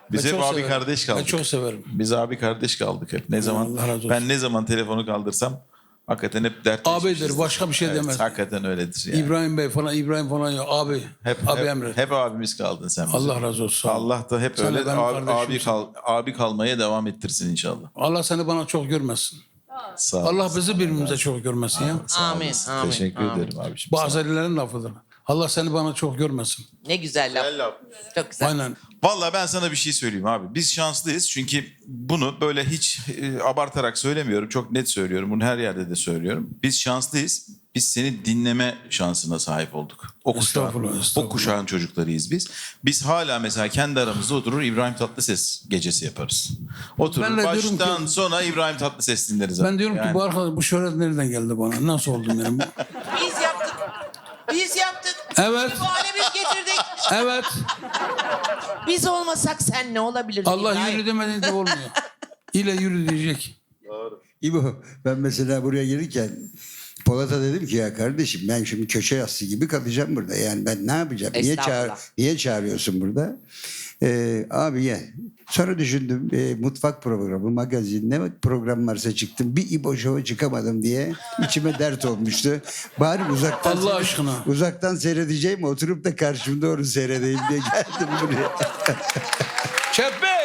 Biz Ben hep çok abi severim. kardeş kaldık. Ben çok severim. Biz abi kardeş kaldık hep. Ne zaman Allah razı olsun. ben ne zaman telefonu kaldırsam hakikaten hep dertleşmişizdir. Abidir, başka bir şey Evet, demez. hakikaten öyledir yani. İbrahim Bey falan, İbrahim falan yok. Abi. Abi Hep, Emre. hep abimiz kaldın sen bize. Allah razı olsun. Sağ ol. Allah da hep Sen de öyle benim abi, kardeşimsin. abi kalmaya devam ettirsin inşallah. Allah seni bana çok görmesin. Sağ ol. Allah bizi birbirimize çok görmesin ya. Amin. Amin. Teşekkür amin. ederim abiciğim. Bu Azerilerin lafıdır. Allah seni bana çok görmesin. Ne güzel laf. Çok güzel. Aynen. Vallahi ben sana bir şey söyleyeyim abi. Biz şanslıyız çünkü bunu böyle hiç abartarak söylemiyorum. Çok net söylüyorum. Bunu her yerde de söylüyorum. Biz şanslıyız. Biz seni dinleme şansına sahip olduk. Estağfurullah, O estağfurullah. kuşağın çocuklarıyız biz. Biz hala mesela kendi aramızda oturur İbrahim Tatlıses gecesi yaparız. Oturur Ben de diyorum baştan ki- sona İbrahim Tatlıses dinleriz. Ben diyorum Yani ki bu arkadaş, bu şöhret nereden geldi bana? Nasıl oldum yani? Biz yaptık. Biz yaptık. Evet. Bu hale biz getirdik. Evet. Biz olmasak sen ne olabilirdin Allah İbrahim? yürü demediğinde olmuyor. İle yürü diyecek. İbo, ben mesela buraya gelirken Polat'a dedim ki ya kardeşim ben şimdi köşe yassı gibi kalacağım burada. Yani ben ne yapacağım? Estağfurullah. Niye çağırıyorsun burada? Abi gel. Sonra düşündüm mutfak programı, magazin ne program varsa çıktım. Bir İbo Show'a çıkamadım diye içime dert olmuştu. Bari uzaktan Allah aşkına. uzaktan seyredeceğim oturup da karşımda onu seyredeyim diye geldim buraya. Çeppe!